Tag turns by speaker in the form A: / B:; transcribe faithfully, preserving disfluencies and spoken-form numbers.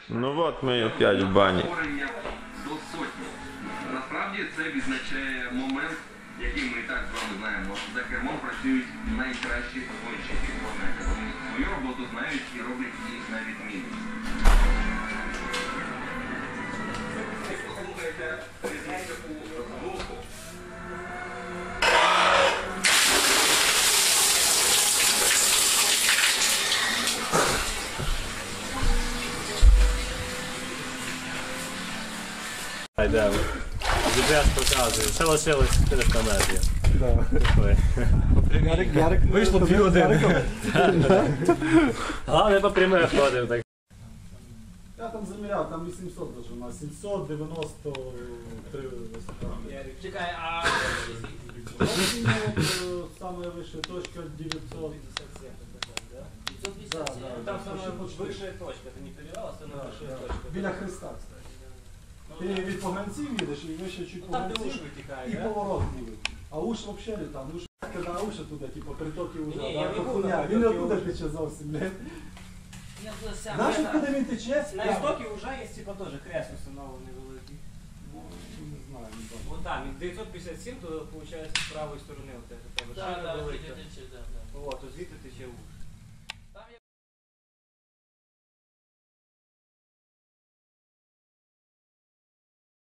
A: Ну от ми опять в бані.
B: До сотні. Насправді це відзначає момент, який ми і так з вами знаємо. За кермом працюють найкращі гонщики планети. Вони свою роботу знають і роблять її на відмінність. Послухайте різницю у звуку.
C: Йдемо. джі пі ес показує. Це лишилось чотириста метрів.
D: Ярик, Ярик, вийшло дві години.
C: Головне по прямих ходив. Так.
D: Я там заміряв, там вісімсот даже, у нас сімсот дев'яносто три висота.
E: Чекай, а...
D: Самая высшая точка девятьсот пятьдесят семь. Да, да,
E: Там
D: да,
E: самая
D: почти.
E: высшая точка, ты не проверяла, самая
D: Да,
E: высшая
D: да.
E: точка.
D: Біля Христа, кстати. Ти від поганців їдеш і вище чуть
E: Ну, там де
D: поганців
E: уж витікає,
D: і
E: да?
D: поворот буде. А уж взагалі не там. Уж коли уж туди, типу, притоки уже,
E: Ні,
D: да,
E: я не
D: то
E: був
D: хуйня.
E: на
D: Він не
E: притоки
D: оттуда
E: Ужа.
D: тече зовсім, блядь.
E: Я туди сам.
D: Знаєш,
E: Я
D: куди він тече?
E: На істокі вже є, типа, теж хрест установлений великий.
D: Ну, не знаю, не бачу.
E: Вот там, дев'ятсот п'ятдесят сім, то, виходить, з правої сторони у тебе.
F: Да, да,
E: велика.
F: тече, да, да.
E: От, то звідти тече уж.